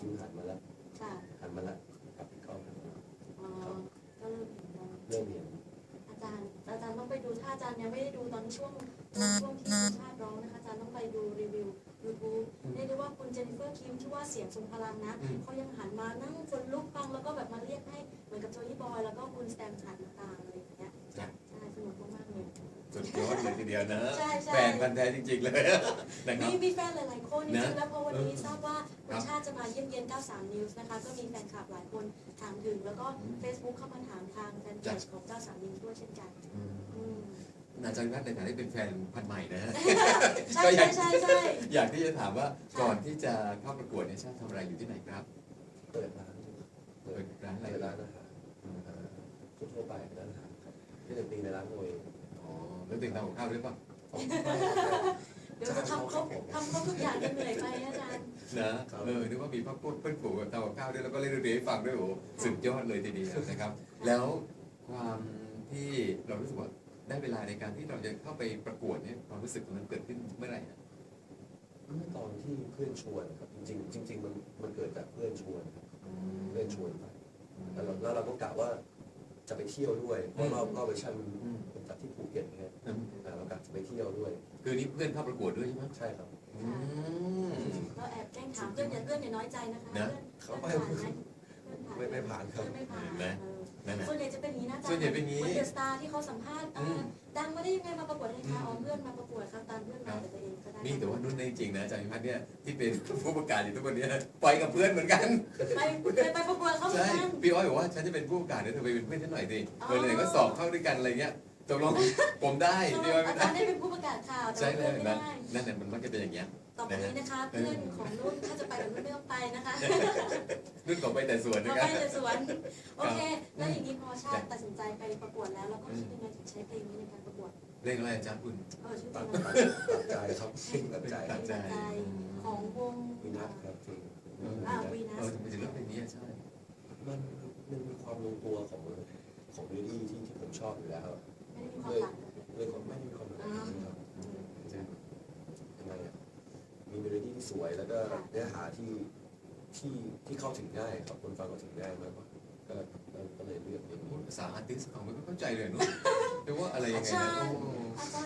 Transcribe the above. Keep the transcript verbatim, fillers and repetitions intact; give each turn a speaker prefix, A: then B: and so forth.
A: คิวหันมาแล้วหันมาแล้วกับพี่ก้อง
B: อ๋อก็เริ่มเห็นแล้ว
A: เริ่มเห็น
B: อาจารย์อาจารย์ต้องไปดูถ้าอาจารย์ยังไม่ได้ดูตอนช่วงช่วงที่สุชาติร้องนะคะอาจารย์ต้องไปดูรีวิวยูทูบเรียกได้ว่าคุณเจนนิเฟอร์คิมที่ว่าเสียงทรงพลังนะเขายังหันมานั่งคนลุกฟังแล้วก็แบบมาเรียกให้เหมือนกับโจยี่บอยแล้วก็คุณสแตมป์หันต่างๆอะไรอย่างเงี้ยใช่สนุกมากๆเลย
C: สุดยอดเลยทีเดียวนะ
B: ใช่ใช่
C: แฟนพันธุ์แท้จริงๆเลยนะครับ
B: มีมีแฟนหลายๆคนจริงๆแล้วพอวันนี้
C: นะ
B: ทราบว่าคุ
C: ครั
B: ณ
C: บ
B: ชาติจะมาเยี่ยมเยียนเก้าสิบสาม News นะคะก็มีแฟนคลับหลายคนถามถึงแล้วก็ Facebook เข้ามาถามทางแฟนเพจของเก้าสิบสาม News ด้วยเช่นกัน
C: อืม
B: อืม
C: อาจารย์พัฒน์ในฐานะที่เป็นแฟนพันธุ์ใหม่นะฮะ
B: ใช่
C: ก็อยาก
B: ใช่ใช่
C: อยากที่จะถามว่าก่อนที่จะเข้าประกวดเนี่ยชาติทำอะไรอยู่ที่ไหนครับ
A: เปิดร้าน
C: เปิดร้านอะไร
A: เปิดร้านอาหารทั่วๆไปร้านอาหารครับที่จะตีในร้านตัวเอง
C: อ๋อแล้วตื่นทำกับข้าวด้วยป่ะ
B: เดี๋ยวจะทำครบทำครบทุกอย่างจะเหนื่อยไปอาจารย์
C: นะเออนึกว่ามีพ่อพูดเพื่อนฝูงกับทำกับข้าวด้วยแล้วก็เล่นดนตรีให้ฟังด้วยโอ้โหสุดยอดเลยทีเดียวนะครับ แล้วความที่เรารู้สึกว่าได้เวลาในการที่เราจะเข้าไปประกวดเนี่ยความรู้สึกตรงนั้นเกิดขึ้นเมื่อไหร่นะ
A: เมื่อตอนที่เพื่อนชวนครับจริงๆจริงๆมันมันเกิดจากเพื่อนชวนครับเพื่อนชวนไปแล้วเราแล้วเราก็กะว่าจะไปเที่ยวด้วยเพราะรอบรอบเวอร์ชันเป็นจัดที่ภูเก็ตเนี่ย
C: อืม
A: อ่าเรากะจะไปเที่ยวด้วย
C: คือนี่เพื่อนเข้าประกวดด้วยใช่ไหม
A: ใช่ครับ
C: อืม
B: เราแอบแกล้งถามเพื่อนอย่าเพื่อนอย่าน้อยใจนะคะ
C: นะ
B: เพื่อนเพื่อนผ่านไหม
A: ไม่ไม่ผ่านครับ
B: เพื่อนไม่ผ่าน
C: เห็นไหม
B: เออ
C: นั่นแหละ
B: ส่วนใหญ่จะเป็นอย่างนี้นะอาจารย์
C: ส่วนใหญ่เป็นอย่างนี้
B: คนเดอะสตาร์ที่เขาสัมภาษณ์เอ่ออ
C: ม
B: ดังมาได้ยังไงมาประกวดให้คะอ๋อเพื่อนมาประกวดครับตามเพื่อนมาแต่ตัวเองก็ได้
C: นี่แต่ว่านุ่นเนี่ยจริงๆนะอาจารย์พิพัฒน์เนี่ยที่เป็นผู้ประกาศอยู่ทุกวันนี้ไปกับเพื่อนเหมือนกัน
B: ไปไปไปประกวดเขาเหมือ
C: ใช่
B: นกัน
C: พี่อ้อยบอกว่าฉันจะเป็นผู้ประกาศเนี่ยเธอไปเป็นเพื่อนฉันหน่อยสิ
B: อ๋อ
C: เออเลยก็สอบเข้าด้วยกันอะไรเงี้ยตกลงผมได้พี่อ้อยไม่
B: อา
C: ได้
B: จารย์ได้เป็นผู้ประกาศข่าวแต่
C: ใช่
B: ว่า
C: เล
B: เพื่อย นไม่
C: นะ
B: ได้
C: นั่นแหละมันมักจะเป็นอย่างเงี้ย
B: ต่อไปนี้นะคะเพื่อนของนุ่นถ้าจะไปกับนุ่นไม่ต้องไปนะคะ
C: นุ่นขอไปแต่สวน
B: เรา
C: นะค
B: ไป
C: รับ
B: แต่สวนโอเค แล้วอย่างนี้พอชาติตัดสินใจไปประกวดแล้วเราก็คิดยังไงถึงใช้เพลงนี้ในการประกวด
C: เล่นอะไรอาจารย์คุณ
B: เออชื่อเพล
A: ตัด
B: ง
A: ตั
B: อะ
A: ด
B: ไร
A: ตัดใจครับตัดใจ
C: ตัดใจ
B: ใจของวง
A: วินัทครับเพลง
B: อ่าวีนั
C: เออ
B: ส
C: ทำไมถึงเลือกเพลงนี้อะใช่
A: มันมันมีความลงตัวของของเรดี้ที่ที่ผมชอบอยู่แล้ว
B: ไม่ได้มีความต่างกัน
A: เลยความไม่มีความต่างครับ
B: อืม
A: ยังไงอ่ะมีเมโลดี้ที่สวยแล้วก็เนื้อหาที่ที่ที่เข้าถึงง่ายครับคนฟังเข้าถึงง่ายมากกว่าก็ก็เลยเลือกเพลงนี้
C: ภาษาอาร์ติสต์ของไม่เข้าใจเลยเนอะแต่ว่าอะไรยังไงนะโอ้
B: อาจารย์